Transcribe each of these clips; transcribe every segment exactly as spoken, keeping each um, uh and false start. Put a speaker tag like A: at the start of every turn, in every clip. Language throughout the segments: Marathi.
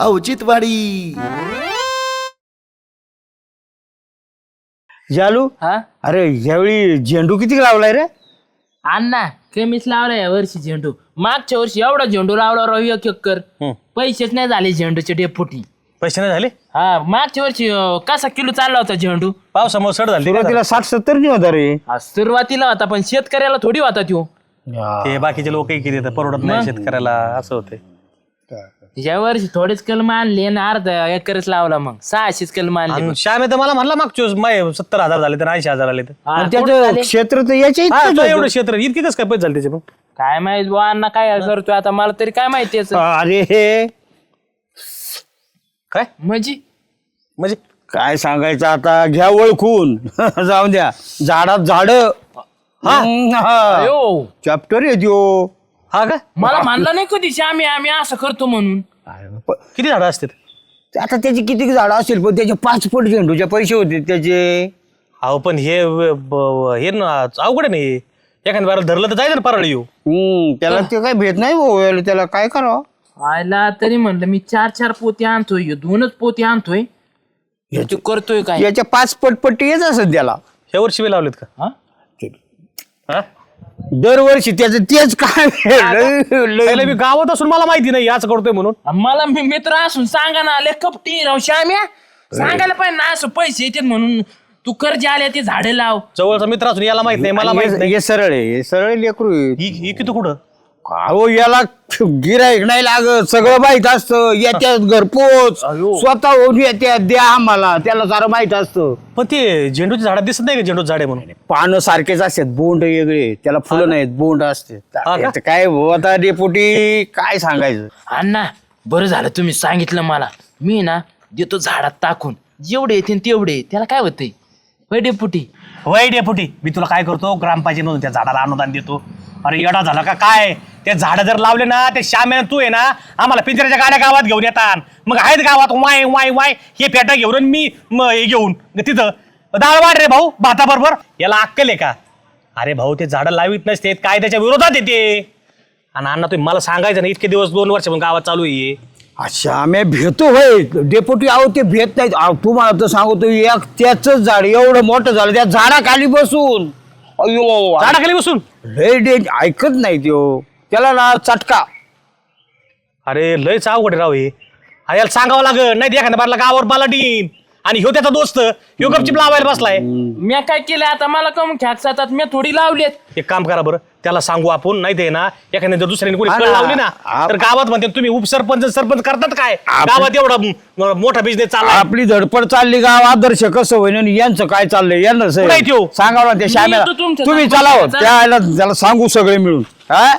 A: औचित्यवाडी.
B: जालू
C: हा
B: अरे यावेळी झेंडू किती लावलाय रे?
C: अण्णा कमीच लावला या वर्षी झेंडू. मागच्या वर्षी एवढा झेंडू लावला राव एक एकर. पैसेच नाही झाले झेंडूचे डेपुटी.
D: पैसे नाही झाले?
C: हा मागच्या वर्षी अं, कसा किलो चालला होता झेंडू?
D: पावसामुळे सड झाली
B: सुरुवातीला साठ सत्तर नाही होता रे.
C: हा, सुरुवातीला होता पण शेतकऱ्याला थोडी होता तो.
D: ते बाकीचे लोक किती देतात परवडत नाही शेतकऱ्याला असं होते.
C: या वर्षी थोडेच कलम आणले आणि अर्धा एकरच लावला. मग सहाशेच कलम आणले.
D: श्याम तर मला म्हणला मागच्या वेळेस माय सत्तर हजार झाले तर ऐंशी हजार आले तर
C: हा,
B: आणि
C: कुठं
B: त्याचं
C: झाले?
B: क्षेत्र तर याच्या
D: हा,
B: इतकंच
D: तो
B: होतं.
D: एवढं क्षेत्र इतके कसं काय पैसे झाले त्याचे मग?
C: काय माहित बुवा अण्णा काय करतोय आता मला तरी काय माहिती याचं.
B: अरे हे
D: काय
C: म्हणजे
D: म्हणजे
B: काय सांगायचं आता, घ्या ओळखून. जाऊ द्या. झाडात झाड
C: अयो,
B: चॅप्टर येतो.
D: हा का
C: मला म्हणलं नाही कधी आम्ही आम्ही असं करतो म्हणून.
D: किती झाडं असतात?
B: आता त्याची किती झाडं असेल पण त्याचे पाच पट झेंडूचे पैसे होते त्याचे.
D: अहो पण हे ब- हे ना अवघड आहे नाही. एखाद्या बारा धरलं तर जायचं ना परळ येऊ.
B: हम्म त्याला ते काय भेट नाही भाऊ, त्याला काय करावं.
C: आयला तरी म्हणलं मी चार चार पोती आणतोय ह्यो दोनच पोती आणतोय. ह्याची करतोय काय?
B: याच्या पाच पट पट्टी येत असत त्याला
D: ह्या वर्षी वेळ लावलेत का?
C: हा?
D: हा?
B: दरवर्षी त्याचं तेच काय. लय-
D: पहिलं मी गावात असून मला माहिती नाही याच करतोय म्हणून.
C: मला मी मित्र असून सांगा ना आले कपटी राव श्याम्या सांगायला पाहिजे ना असं पैसे येतात म्हणून. तू कर्ज आले ते झाडे लाव.
D: जवळचा मित्र असून याला माहित नाही मला माहित
B: हे-
D: नाही.
B: हे सरळ आहे, हे सरळ लेकरू आहे.
D: ही ही किती कुठं
B: अहो याला गिराईक नाही लागत, सगळं माहित असतं. येत्यात घरपोच स्वतःहून येत्यात, द्या आम्हाला, त्याला सारं माहित असतं.
D: पण ते झेंडूची झाडं दिसत नाही का झेंडूचं झाड आहे म्हणून?
B: पानं सारखेच असतात, बोंड वेगळे, त्याला फुलं नाहीत, बोंड असते.
D: का?
B: याचं काय भाऊ आता डेपुटी काय सांगायचं.
C: अण्णा बरं झालं तुम्ही सांगितलं मला. मी ना देतो झाडात टाकून जेवढे येतील तेवढे. त्याला काय होतंय डेपुटी?
D: वय डेपुटी मी तुला काय करतो ग्रामपंचायत मधून त्या झाडाला अनुदान देतो. अरे येडा झाला का काय? ते झाडं जर लावले ना ते श्याम्यानं तू आहे ना आम्हाला पिंजऱ्याच्या गाड्या गावात घेऊन येतात. मग आहेत गावात वाय वाय वाय हे पेटा घेऊन आणि मी म हे घेऊन तिथं डाळ वाढ रे भाऊ भाताबरोबर. याला अक्कल आहे का? अरे भाऊ ते झाडं लावित नसते काय त्याच्या विरोधात येते. आणि अण्णा तुम्ही मला सांगायचं ना इतके दिवस दोन वर्ष पण गावात चालू आहे.
B: अच्छा आम्ही भेटतो होय डेपुटी. अहो ते भेट नाहीत. अहो, तुम्हाला तर सांगतो एक त्याच झाड एवढं मोठं झालं त्या झाडाखाली बसून. अयो
D: झाडाखाली बसून
B: लय डेंज ऐकत नाही त्यो. त्याला ना चटका.
D: अरे लयच अवघड आहे राव हे. अरे याला सांगावं लागल नाही एखाद्या बारला गावावर पालाटीन. आणि ह्यो त्याचा दोस्त ह्यो गपचिप लावायला बसलाय.
C: मी काय केलं आता मला कम ख्याकसातात मी थोडी लावलेत.
D: एक काम करा बरं त्याला सांगू आपण नाही ते ना एखाद्या जर दुसऱ्याने कोणी
B: हा
D: कळ
B: ना.
D: लावली ना
B: आप-
D: तर गावात म्हणते तुम्ही उपसरपंच सरपंच करतात काय
B: आप-
D: गावात एवढा म- मोठा बिझनेस चालला
B: आपली धडपड चालली गाव आदर्श कसं होईन आणि यांचं काय चाललंय यांना
D: कुठं आहे त्यो?
B: सांगावं ना त्या
C: मी
B: श्यामेला.
C: येतो तुमच्या
B: तुम्ही
C: सोबत.
B: चला हो,
C: चला.
B: त्याला त्याला सांगू सगळे मिळून. हा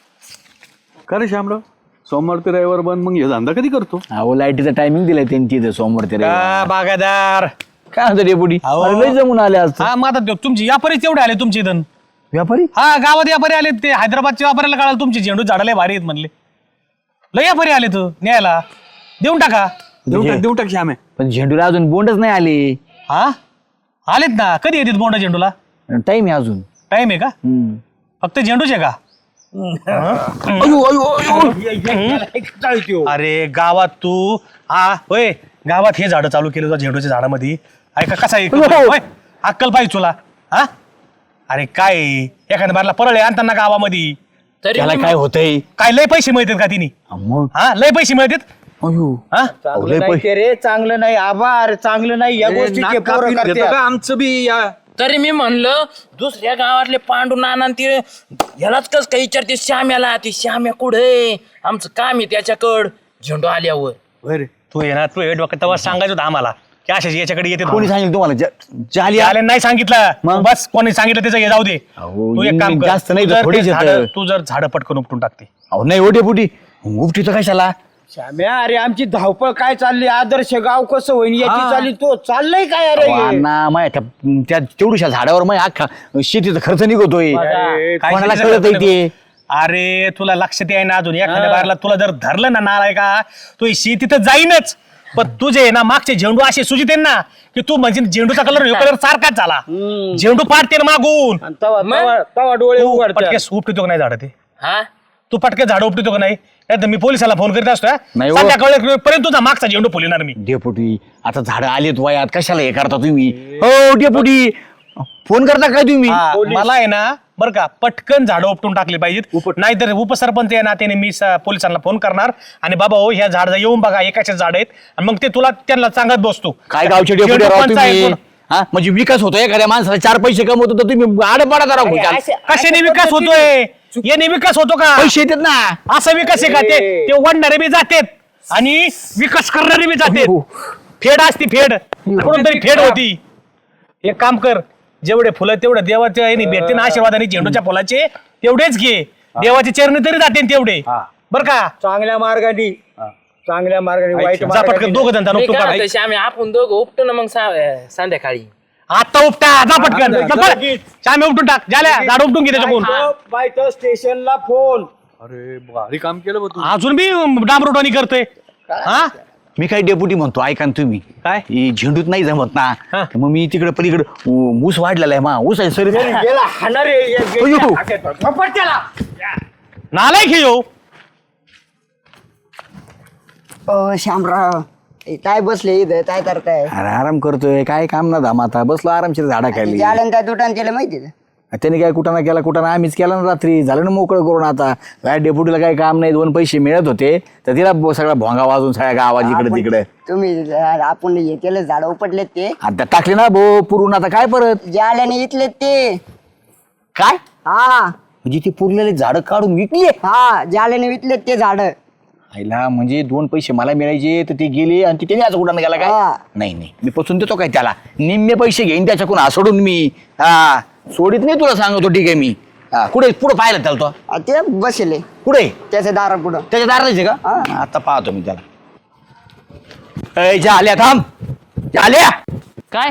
E: खरं श्यामराव सोमवार ते रविवार बंद मग हे धंदा कधी करतो?
F: अहो लाईटीचं टायमिंग दिलंय त्यांची इथे सोमवार ते रविवार.
D: का बागायदार
F: काय म्हणतो डेपुटी?
D: अहो.
F: अरे लय जमून आले आज तर.
D: हा मग आता तुमची व्यापारीच तेवढे आले तुमचे इथं.
F: व्यापारी
D: हा गावात व्यापारी आले ते हैदराबादच्या व्यापाऱ्याला कळालं तुमची झेंडू झाडाला भारी आहेत म्हणले. लय व्यापारी आले तू न्यायला देऊन टाका.
E: देऊ टाक देऊ टाक श्यामे.
F: पण झेंडूला अजून बोंडच नाही आले.
D: हा आलेत ना कधी येतात बोंडा झेंडूला?
F: टाइम आहे अजून.
D: टाइम आहे का?
F: हम्म.
D: फक्त झेंडूचे का? अरे गावात तू हा होय गावात हे झाडं चालू केलं होतं झेंडूच्या झाडामध्ये. ऐका कसा आहे होय, अक्कल पाहिजे तुला. हा अरे काय आहे? एखाद्या बारला परळ आहे आणताना गावामध्ये
C: तरी
F: त्याला
C: मी-
F: काय होतंय?
D: काय लय पैसे मिळतात का तिने?
F: मग
D: हा लय पैसे मिळतात.
F: अयो.
D: हा
B: चांगलं नाही ते रे, चांगलं नाही आभार, चांगलं नाही या गोष्टी ते पोरं करतात.
E: आमचं बी या
C: तरी मी म्हणलं दुसऱ्या गावातले पांडू नाना आणि ते ह्यालाच कस काय विचारते श्याम्याला. ते श्याम्या कुठे आमचं काम आहे त्याच्याकड झेंडू आल्यावर.
D: बरं तू ये ना तू हे डोक्यात तेव्हा सांगायचं होतं आम्हाला की अशाच याच्याकडे येते
F: कोणी सांगितलं तुम्हाला? जा- जाली आ-
D: आले नाही सांगितलं
F: मग?
D: बस कोणी सांगितलं त्याचं हे जाऊ दे.
F: अहो,
D: तू एक काम कर
F: जास्त नाही
D: तू
F: तर
D: जर
F: थोडीच
D: ते
F: येतं.
D: झाडं- तू जर झाडं पटकन उपटून टाकते.
F: अहो नाही हो डेपुटी. उपटी तर कशाला?
B: श्याम्या अरे आमची धावपळ काय चालली, आदर्श गाव कसं होईन याची चालली. तो चाललंय काय अरे
F: अहो, अण्णा माय त्या त्या तेवढ्या झाडावर माय अख्खा शेतीचा खर्च निघतोय.
D: काय
F: कोणाला
D: शेतीचं
F: कळत
D: करतो
F: ते?
D: अरे तुला लक्षात आहे ना अजून एखाद्या बाहेरला तुला जर धरलं ना नालाय का तू ही शेती तर जाईनच. पण तुझे ना मागचे झेंडू असे सुजित आहे ना की तू म्हणजे झेंडूचा कलर कलर सारखाच झाला. झेंडू पाडते ना मागून
B: आणि तवा तवा- तवा डोळे
D: तू
B: उघडतात.
D: पटकेस उपटतो का नाही झाड ते?
C: हा
D: तू पटकन झाड उपटतो का नाही नाहीतर मी पोलिसाला फोन करीत असतो
F: नाही हो.
D: संध्याकाळपर्यंत तुझा मागचा झेंडू फुलणार मी.
F: डेपुटी आता झाडं आलेत वयात कशाला हे करता तुम्ही हो डेपुटी फोन करता काय तुम्ही
D: हा, मला आहे ना बरं का पटकन झाडं उपटून टाकली पाहिजेत नाहीतर उपसरपंच आहे ना त्याने मी स- पोलिसांना फोन करणार आणि बाबा हो ह्या झाड येऊन बघा एकाचे झाड आहेत आणि मग ते तुला त्यांना सांगत बसतो
F: काय गावचे डेपुटी
D: झेंडू
F: राव
D: पंच आहे
F: तुम्ही
D: कोण?
F: हा म्हणजे विकास होतो एखाद्या माणसाला चार पैसे कमवतो तर तुम्ही आड पडा राव खुशाल.
D: कशाने विकास होतोय याने विकास होतो का
F: पैसे येतात ना
D: असा विकास आहे का ते ते वाढणारे बी जातेत आणि विकास करणारे बी जातेत फेड असती फेड कोणतरी फेड होती. एक काम कर जेवढे फुलं तेवढे देवाच्या याने भेटते ना आशीर्वादाने झेंडूच्या फुलाचे तेवढेच घे देवाचे चरणी तरी जाते तेवढे बर का.
B: चांगल्या मार्गाने चांगल्या मार्गाने वाईट
D: जा पटकन दोघं जण
C: मी
D: उपटून
C: काय
D: काढा.
C: म्हणतो, श्यामे आपण दोघं उपटू ना मग सा- संध्याकाळी
D: आता उपटा जा पटकन श्यामे उपटून टाक झाल्या झाड उपटून घे त्याच्याकडून
B: बाय स्टेशनला फोन.
E: अरे भारी काम केलं बा तू.
D: अजून बी डांबरोटानी करतोय हा
F: मी काय डेपुटी म्हणतो ऐका ना तुम्ही
D: काय?
F: हे झेंडूत नाही जमत ना
D: हा.
F: तर मग मी तिकडे पलीकडे ऊ- ऊस वाढलेला आहे मा ऊस आहे सर
B: गेला हाणार
D: नालायक हे हो
A: ओ शामराव ए, काय बसले इथं काय करताय
F: अरे आराम करतोय काय काम ना धाम आता बसलो आरामशीर झाडाखाली
A: जालन त्या दुटान केलं माहिती का?
F: त्याने काय कुठं ना केला कुठं ना आम्हीच केला ना रात्री झालं ना मोकळं करून आता काय डेपुटीला काय काम नाही दोन पैसे मिळत होते तर तिला ब- सगळा भोंगा वाजून सगळ्या गावात इकडे
A: आपण-
F: तिकडे
A: तुम्ही आपण हे केलं झाड उपटलेत ते
F: आता टाकले ना भो पुरून आता काय परत
A: जाल्याने इथलेत ते
F: काय
A: हा
F: म्हणजे ती पुरलेले झाडं काढून विकली
A: हा जाल्याने विकलेत ते झाड
F: आईला म्हणजे दोन पैसे मला मिळायचे तर ते गेले आणि ती त्याने आज कुठं गेला काय
A: हा.
F: नाही नाही मी पसून देतो काय त्याला निम्मे पैसे घेईन त्याच्याकडून असोडून मी हा सोडित नाही तुला सांगतो ठीक आहे मी हा कुठे पुढे पाहिलं त्याला तो
A: आ, ते बसले
F: कुठे
A: त्याच्या दारा पुढं
F: त्याच्या दाराचे का
A: हा.
F: आता पाहतो मी त्याला ए, जा आल्या थांब जा आल्या
C: काय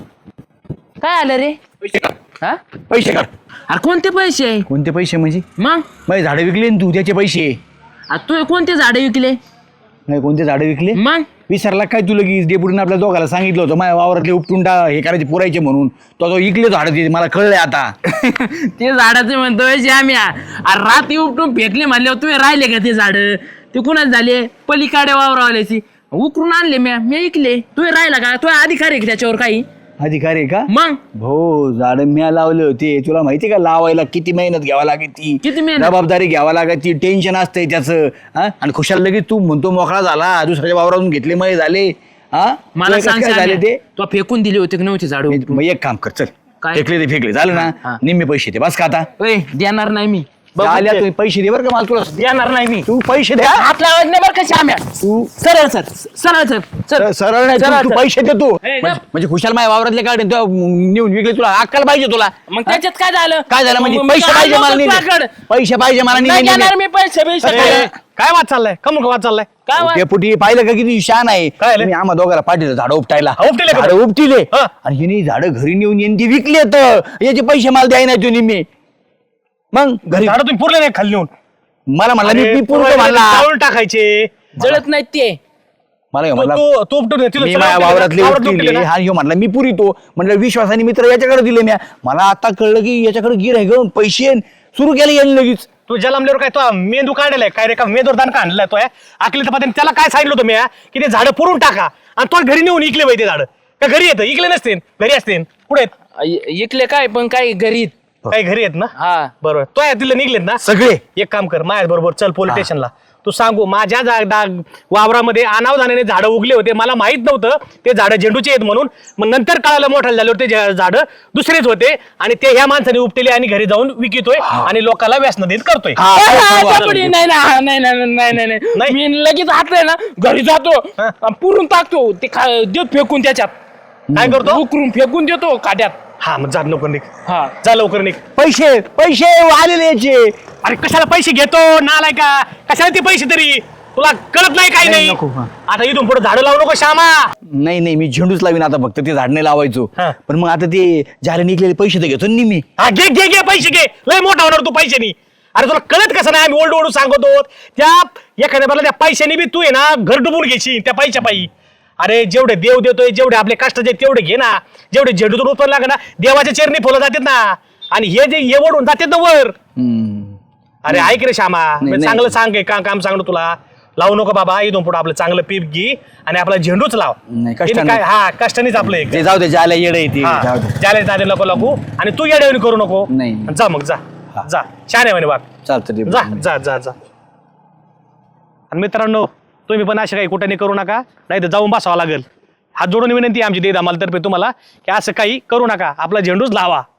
C: काय आलं रे हा
F: पैसे काढ
C: अरे कोणते पैसे
F: कोणते पैसे म्हणजे
C: मग
F: माझे झाडं विकले ना तू त्याचे पैसे
C: आता तू कोणते झाडे विकले
F: नाही कोणते झाडं विकले
C: मग
F: विसरला काय तुला की डेपुटीने आपल्या दोघाला सांगितलं होतं माझ्या वावरातले उपटून टा हे करायचे पुरायचे म्हणून तो तो इकले झाडं ते मला कळलंय आता
C: ते झाडाचे म्हणतोय श्याम्या अरे रात्री उपटून फेकले म्हणल्यावर तुम्ही राहिले का ते झाड ते कुणाच झाले पलीकडे वावरावाल्याची उकरून आणले म्या मी ऐकले तुम्ही राहिला का तुझ्या अधिकार आहे का त्याच्यावर काही
F: अधिकारी आहे का
C: मग
F: भाऊ झाडं म्या लावले होते तुला माहिती का लावायला किती मेहनत घ्यावा लागते ती
C: किती मेहनत?
F: जबाबदारी घ्यावा लागते टेन्शन असतंय त्याचं हा आणि खुशाल लगेच तू म्हणतो मोकळा झाला दुसऱ्याच्या वावरातून घेतले मय झाले हा
C: मला
F: तुला कसं
C: सांग
F: काय झाले ते
C: तो फेकून दिले होते की नव्हते झाड
F: मग एक काम कर चल
C: काय?
F: फेकले ते फेकले झालं
C: हा.
F: ना निम्मे पैसे दे बस का आता
C: देणार नाही मी
F: आल्या तुम्ही पैसे दे बरं का मला तुला
C: देणार नाही मी
F: तू पैसे द्या
C: हात लावायचं नाही बरं का श्याम्या
F: तू
C: सरळ सर सरळ सर सर
F: सरळ नाही
C: सरळ
F: तू- तू
C: सर.
F: पैसे दे तू
C: ए,
F: म्हणजे म्हणजे खुशाल माझ्या वावरातले काढून तो नेऊन विकले तुला अक्कल पाहिजे तुला
C: मग त्याच्यात काय झालं
F: काय झालं म्हणजे
C: मग
F: पैसे
C: मी
F: पाहिजे मला
C: आलो
F: निम्मे.
C: तुझ्याकडं.
F: पैसे पाहिजे मला
C: नाही
F: निम्मे-
C: देणार
F: निम्मे.
C: मी पैसे पैसे
D: अरे, काय वाद चाललाय कम वाद चाललाय
C: काय वा-
F: डेपुटी पाहिलं का किती शान आहे
D: काय आलं?
F: मी आम्हा दोघाला पाठवलं झाडं उपटायला
D: हा, उपटिले का?
F: झाडं उपटिले
D: हा.
F: आणि हिने झाडं घरी नेऊन येऊन ती विकले तर याचे पैसे मला द्याय नाही तुम्ही निम्मे मग घरी
D: झाड तुम्ही पुरले नाही खाली नेऊन
F: मला म्हणला मी- मी पूर्ण म्हणला
D: चावून टाकायचे
C: जळत नाहीत ते
F: मला ह्यो
D: तू-
F: म्हणला
D: तू तू उपटून दे. तिला
F: मी
D: चला
F: माझ्या
D: उपटून दे.
F: वावरातले
D: वावरात उपटून
F: उपटिले
D: दे ना.
F: हा ह्यो म्हणला मी पुरीतो म्हणलं विश्वासाने मित्र याच्याकडे दिले म्या मला आता कळलं की याच्याकडे गिर आहे ग पैसे सुरू केले यांनी लगेच
D: तू जलमल्यावर काय तो मेंदू काढलाय काय रे का मेंदूवर दान काढलाय तो आकली तर त्याला काय सांगितलं होतं मी हा? की ते झाडं पुरून टाका आणि तो घरी नेऊन इकले पाहिजे झाड का घरी येतं इकले नसते घरी असते कुठे आहेत
C: इकले काय पण काय घरी
D: काही घरी आहेत ना
C: हा
D: बरोबर तो आहे तिला निघलेत ना
F: सगळे
D: एक काम कर माझ्या बरोबर चल पोलीस स्टेशनला तू सांगू माझ्या जा- डा- वावरामध्ये अनावधानाने झाडं उगले होते मला माहित नव्हतं ते झाडं झेंडूचे आहेत म्हणून मग नंतर कळालं मोठाले झाले होते ते झाडं दुसरेच होते आणि ते ह्या माणसाने उपटेले आणि घरी जाऊन विकतोय आणि लोकांना व्यसन देत करतोय
F: हा, काय सांगू आता?
C: नाही नाही नाही नाही नाही नाही नाही
D: नाही?
C: मी लगेच हातलंय ना घरी जातो आणि पुरून टाकतो ते खा- देत फेकून त्याच्यात
D: काय करतो
C: उकरून फेकून देतो काट्यात
D: हा मग जा लवकर निघ
C: हा
D: जा लवकर निघ
F: पैसे पैसे आलेले याचे
D: अरे कशाला पैसे घेतो नालाय का कशाला ते पैसे तरी तुला कळत नाही काही
F: नाही,
D: नाही
F: नको, हा.
D: आता इथून पुढे झाडं लावू नको श्यामा
F: नाही नाही मी झेंडूच लावीन आता फक्त ते झाड नाही लावायचो
D: हा.
F: पण मग आता ते झाले निघलेले पैसे तर घेतो ना मी
D: हा घे घे घे पैसे घे लय मोठा होणार तू पैशानी अरे तुला कळत कसं नाही आम्ही ओल्ड ओढू सांगतो त्या एखाद्या मला त्या पैशानी बी तू आहे ना घर डुबून घ्यायची त्या पैशा पायी अरे जेवढे देव देतोय जेवढे आपले कष्टाचे तेवढे घे ना जेवढे झेंडूतून उत्पन्न लागे ना देवाच्या चरणी फुलं जातात ना आणि हे जे हे ओढून जातात ना वर
F: हम्म.
D: अरे ऐक रे श्यामा
F: नाही,
D: मी
F: नाही.
D: चांगलं सांग का काम सांगतो तुला लावू नको बाबा इथून पुढे आपलं चांगलं पीक घे आणि आपला झेंडूच लाव
F: नाही,
D: इथे
F: कष्टाने.
D: काय हा कष्टानेच आपलं एक
F: ते जाऊ दे ज्याला येडं येते
D: हा,
F: जाऊ दे.
D: ज्याला जाते नको लागू आणि तू येड्यावणी करू नको
F: नाही.
D: जा मग जा जा छान आहे म्हणे बाग
F: चालतं ते.
D: जा जा जा जा आणि मित्रांनो तुम्ही पण असे काही कुठे करू नका नाही तर जाऊन बसावं लागेल हात जोडून विनंती आहे आमची देत आम्हाला तर्फे तुम्हाला की असं काही करू नका आपला झेंडूच लावा